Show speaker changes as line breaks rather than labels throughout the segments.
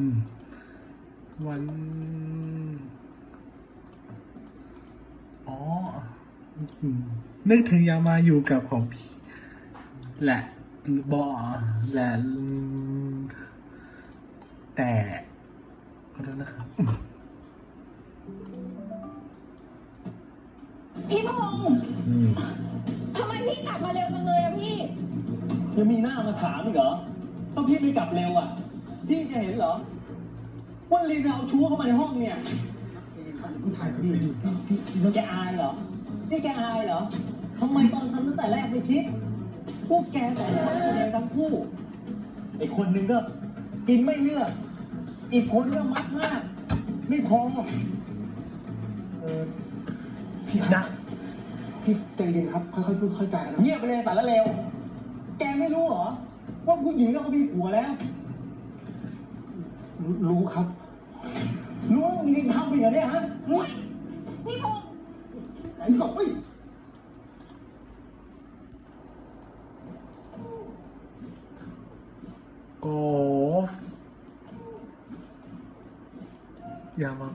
วันอ๋อนึกถึงยามาอยู่กับของพี่แหละบอแหละแต่ขอโทษนะครับ
พี่พงษ์ทำไมพี่กลับมาเร็วจังเลยอะพี่
ยังมีหน้ามาถามอีกเหรอต้องพี่ไม่กลับเร็วอ่ะพี่จะเห็นเหรอว่าลีนเอาชู้เข้ามาในห้องเนี่ยพี่ถ่ายพี่แกอายเหรอนี่แกอายเหรอทำไมตอนทำตั้งแต่แรกไม่คิดพวกแกแต่ละคนแสดงทั้งคู่ไอ้คนหนึ่งก็กินไม่เลือกอีกคนก็มัดมากไม่พอพี่นะพี่ใจเย็นครับค่อยๆพูดค่อยๆจากันเงียบไปเลยแต่ละเร็วแกไม่รู้เหรอว่าผู้หญิงเราก็มีผัวแล้วรู้ครับรู้มีเรื่องทำไปเหรอเนี่ยฮะ
พี่พงษ์
ไอ้กบ
กบยามา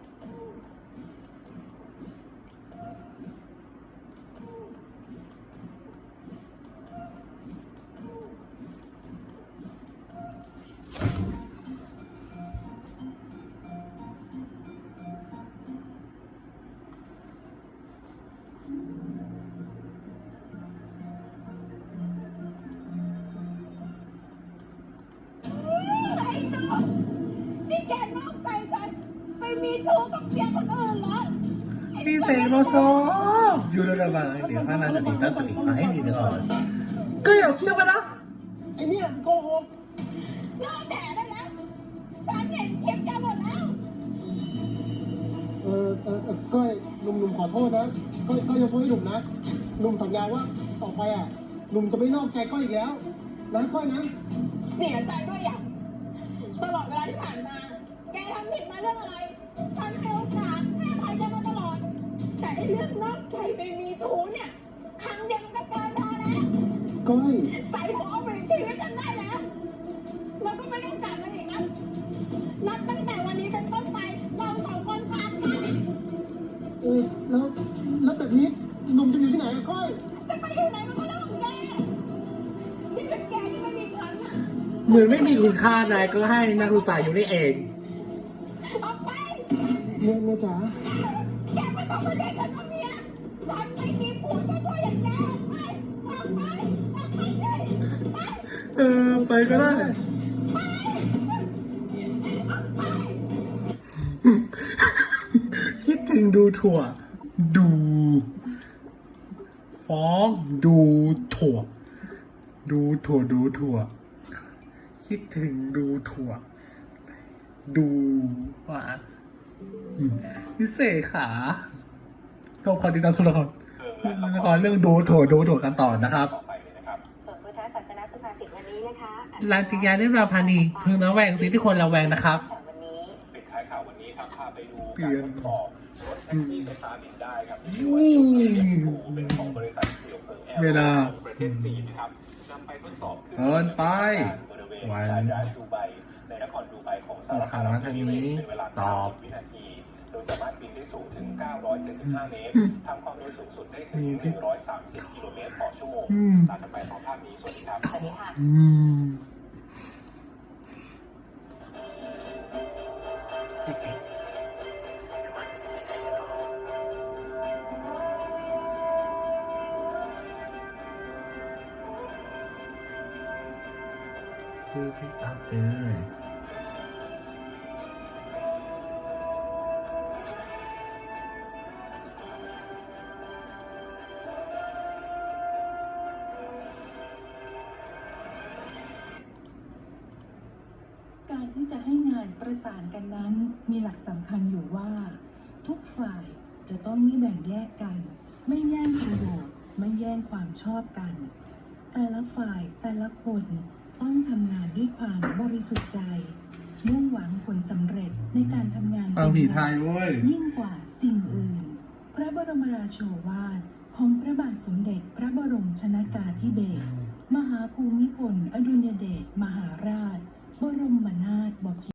นี่แกนอกใจฉันไปมีชู้กับเสียคนอื่นเหรอ
พี่เสกโลโซอยู่ในระหว่างเดี๋ยวพระนางจะติดตั้งสติมาให้ดีก่อนก็อย่าเชื่อไปนะ
ไอ้เนี่ยโกหก
เลิกแดดได้แล้วฉันเห็นคลิปแกหมดแล้ว
ก้อยหนุ่มขอโทษนะก้อยยกโทษให้หนุ่มนะหนุ่มสัญญาว่าต่อไปอ่ะหนุ่มจะไม่นอกใจก้อยอีกแล้วนะก้อยนะ
เสียใจด้วยอย่างตลอดเวลาที่ผ่านมาแกทำผิดมาเรื่องอะไรฉันให้โอกาสให้อภัยแกมาตลอดแต่เรื่องนอกใจไปมีชู้เนี่ยครั้งเดียวมันก็เกินพอแล้ว
ก้อย
ใส่หัวเอาไปชีวิตฉันได้แล้วแล้วก็ไม่ต้องกลับมาอีกนะนับตั้งแต่วันนี้เป็นต้นไปเราสองคนขาดกัน
แล้วแบบนี้หนุ่มจะอยู่ที่ไหนอะก้อย
จะไปอยู่ไหนมันก็เรื่องของแกชีวิตแกที่ไม่มีครั้งอ่ะ
เหมือนไม่มีคุณค่านายก็ให้นักศึกษาอยู่นี่เอง
ออกไป
เมียจ๋า
แกไม่ต้องมาเรียกฉันว่าเมียฉันไม่มีผัวตัวอย่างแกออกไปออกไปออกไปเลย
ไปก็ได้คิดถึงดูถั่วดูฟ้องดูถั่วดูถั่วคิดถึงดูถั่วดูหวานพิเศษขาต้องขอติดตามชมละครเรื่องดูถั่วกันต่อนะครับ
ส่วนพุทธศาสนาสุภาษิตวันนี้นะคะ
ลานติยานิราพานีพึงระแวงสิ่งที่ควรระแวงนะครับ
ปิดท้ายข่าววันนี้ครับพาไปดูการทดสอบรถแท็กซี่ไฟฟ้าบินได้ครับที่ชื่อว่าซิลเอ็กซ์เป็นของบริษัทเสี่ยวเพิงแอร์ประเทศจีนนะครับนำไปทดสอบขึ้นบริเวณสถานีดูไบในนครดูไบของสหรัฐอาหรับเอมิเรตส์เป็นเวลา90 วินาทีโดยสามารถบินได้สูงถึง975 เมตรทำความเร็วสูงสุดได้ถึง130 กิโลเมตรต่อชั่วโมงตามกันไปต่อภาพนี้สวัสดีครับ
สวัสดีค่ะ
ชื่อพี่อัพ
การที่จะให้งานประสานกันนั้นมีหลักสำคัญอยู่ว่าทุกฝ่ายจะต้องไม่แบ่งแยกกันไม่แย่งประโยชน์ไม่แย่งความชอบกันแต่ละฝ่ายแต่ละคนต้องทำงานด้วยความบริสุทธิ์ใจมุ่งหวังผลสำเร็จในการทำงาน
เป็นหลัก
ยิ่งกว่าสิ่งอื่นพระบรมราโชวาทของพระบาทสมเด็จพระบรมชนกาธิเบศรมหาภูมิพลอดุลยเดชมหาราชบรมนาถบพิตร